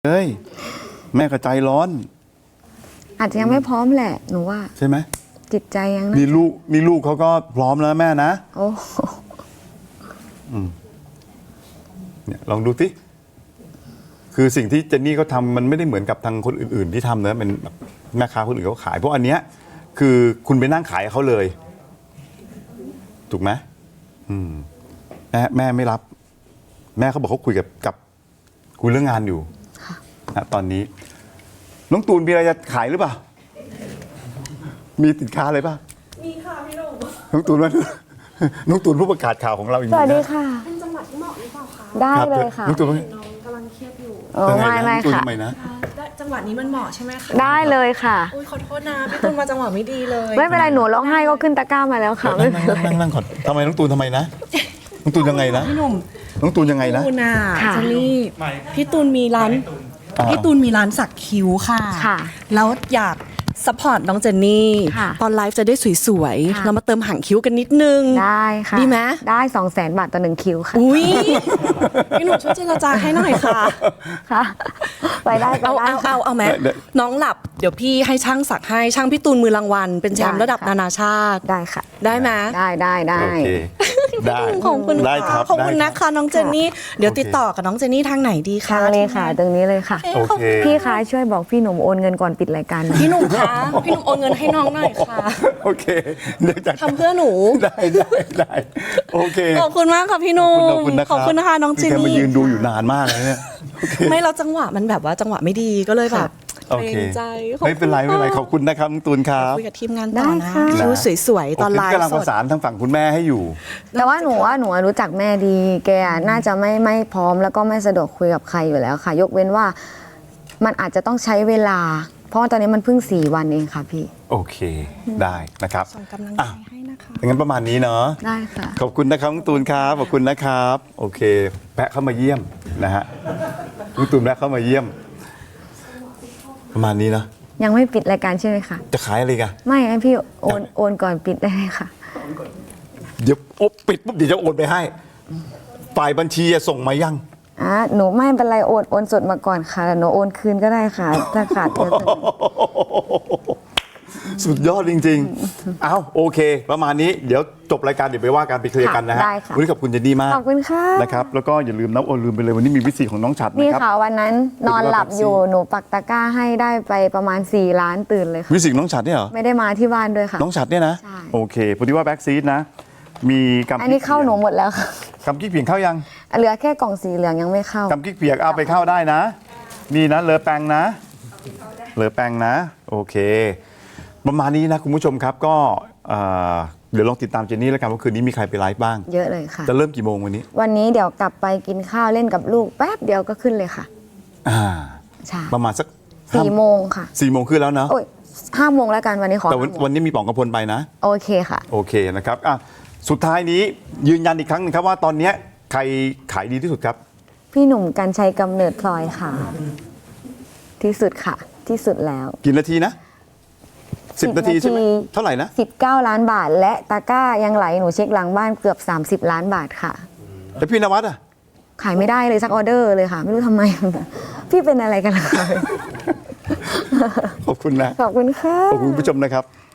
เฮ้ยแม่ก็ใจร้อนอาจจะยังไม่พร้อมแหละหนูว่าใช่ไหมจิตใจยังนะนี่ลูกเขาก็พร้อมแล้วแม่นะโอ้เนี่ยลองดูสิคือสิ่งที่เจนนี่เขาทำมันไม่ได้เหมือนกับทางคนอื่นๆที่ทำนะเป็นแบบแม่ค้าคนอื่นเขาขายเพราะอันเนี้ยคือคุณไปนั่งขายเขาเลยถูกไหมแม่ไม่รับแม่เขาบอกเขาคุยกับคุยเรื่องงานอยู่นะตอนนี้น้องตูนมีอะไรจะขายหรือเปล่ามีสินค้าอะไรป่ะมีค่ะพี่หนุ่มน้องตูนว่าน้องตูนผู้ประกาศข่าวของเราอีกสวัสดีค่ะเป็นจังหวัดที่เหมาะหรือเปล่าคะได้เลยค่ะน้องตูนน้องกำลังเครียดอยู่ไม่ค่ะจังหวัดนี้มันเหมาะใช่ไหมคะได้เลยค่ะอุ้ยขอโทษนะพี่ตูนมาจังหวะไม่ดีเลยไม่เป็นไรหนูร้องไห้ก็ขึ้นตะกร้ามาแล้วค่ะไม่เป็นไรนั่งก่อนทำไมน้องตูนทำไมนะน้องตูนยังไงนะพี่หนุ่มน้องตูนยังไงนะตูนเจนนี่พี่ตูนมีร้านสักคิ้วค่ะแล้วอยากซัพพอร์ตน้องเจนนี่ตอนไลฟ์จะได้สวยๆเรามาเติมหางคิ้วกันนิดนึงได้ค่ะดีไหมได้200,000 บาทต่อ1คิ้วค่ะอุ้ยพี่หนุ่มช่วยเจรจาให้หน่อยค่ะค่ะไปได้เอาไหมน้องหลับเดี๋ยวพี่ให้ช่างสักให้ช่างพี่ตูนมือรางวัลเป็นแชมป์ระดับนานาชาติได้ค่ะได้ไหมได้โอเคได้ขอบคุณค่ะขอบคุณนะคะน้องเจนนี่เดี๋ยวติดต่อกับน้องเจนนี่ทางไหนดีคะทางเลยค่ะตรงนี้เลยค่ะพี่คะช่วยบอกพี่หนุ่มโอนเงินก่อนปิดรายการพี่หนุ่มคะพี่หนุ่มโอนเงินให้น้องหน่อยค่ะโอเคเดี๋ยวจะทำเพื่อหนูได้โอเคขอบคุณมากค่ะพี่หนุ่มขอบคุณนะคะน้องเจนนี่มายืนดูอยู่นานมากเลยเนี่ยไม่เราจังหวะมันแบบว่าจังหวะไม่ดีก็เลยแบบโอเคไม่เป็นไรขอบคุณนะครับตูนครับคุยกับทีมงานต่อนะคิ้วสวยๆตอนไลฟ์กำลังประสานทางฝั่งคุณแม่ให้อยู่แต่ว่าหนูรู้จักแม่ดีแกน่าจะไม่พร้อมแล้วก็ไม่สะดวกคุยกับใครอยู่แล้วค่ะยกเว้นว่ามันอาจจะต้องใช้เวลาเพราะตอนนี้มันเพิ่ง4 วันเองค่ะพี่โอเคได้นะครับส่งกำลังใจให้นะคะงั้นประมาณนี้เนาะได้ค่ะขอบคุณนะครับตูนครับขอบคุณนะครับโอเคแพะเข้ามาเยี่ยมนะฮะตูนแพะเข้ามาเยี่ยมประมาณนี้นะยังไม่ปิดรายการใช่ไหมคะจะขายอะไรกันไม่ให้พี่โอนก่อนปิดได้ไหมคะเดี๋ยวปิดปุ๊บเดี๋ยวจะโอนไปให้ฝ่ายบัญชีส่งมายังหนูไม่เป็นไรโอนสดมาก่อนค่ะหนูโอนคืนก็ได้ค่ะถ้าขาดสุดยอดจริงๆเอาโอเคประมาณนี้เดี๋ยวจบรายการเดี๋ยวไปว่ากันไปเคลียร์กันนะฮะวันนี้ขอบคุณเจนนี่มากขอบคุณค่ะนะครับแล้วก็อย่าลืมลืมไปเลยวันนี้มีวิธีของน้องฉัดนะครับนี่ค่ะวันนั้นนอนหลับอยู่หนูปักตะกร้าให้ได้ไปประมาณ4 ล้านตื่นเลยค่ะวิธีน้องฉัดเนี่ยเหรอไม่ได้มาที่บ้านด้วยค่ะน้องฉัดเนี่ยนะโอเคพอดีว่าแบ็กซีดนะมีกำอันนี้เข้าหนูหมดแล้วค่ะกำกิ๊กเปียกเข้ายังเหลือแค่กล่องสีเหลืองยังไม่เข้ากำกิ๊กเปียกเอาไปเข้าได้นะนี่นะเลอแปงนะโอเคประมาณนี้นะคุณผู้ชมครับก็เดี๋ยวลองติดตามเจนนี่แล้วกันว่าคืนนี้มีใครไปไลฟ์บ้างเยอะเลยค่ะจะเริ่มกี่โมงวันนี้เดี๋ยวกลับไปกินข้าวเล่นกับลูกแป๊บเดียวก็ขึ้นเลยค่ะใช่ประมาณสัก 4 โมงค่ะ 4 โมงขึ้นแล้วเนาะ 5 โมงแล้วกันวันนี้ขอแต่วันนี้มีป๋องกระพลไปนะโอเคค่ะโอเคนะครับสุดท้ายนี้ยืนยันอีกครั้งนึงครับว่าตอนนี้ใครขายดีที่สุดครับพี่หนุ่มกรรชัยกำเนิดพลอยค่ะที่สุดค่ะที่สุดแล้วกี่นาทีนะ10 นาทีใช่ไหมเท่าไหร่นะ 19 ล้านบาทและตะกร้ายังไหลหนูเช็คหลังบ้านเกือบ30 ล้านบาทค่ะแล้วพี่นวัดขายไม่ได้เลยสักออเดอร์เลยค่ะไม่รู้ทำไมพี่เป็นอะไรกันล่ะคะขอบคุณนะขอบคุณค่ะขอบคุณผู้ชมนะครับ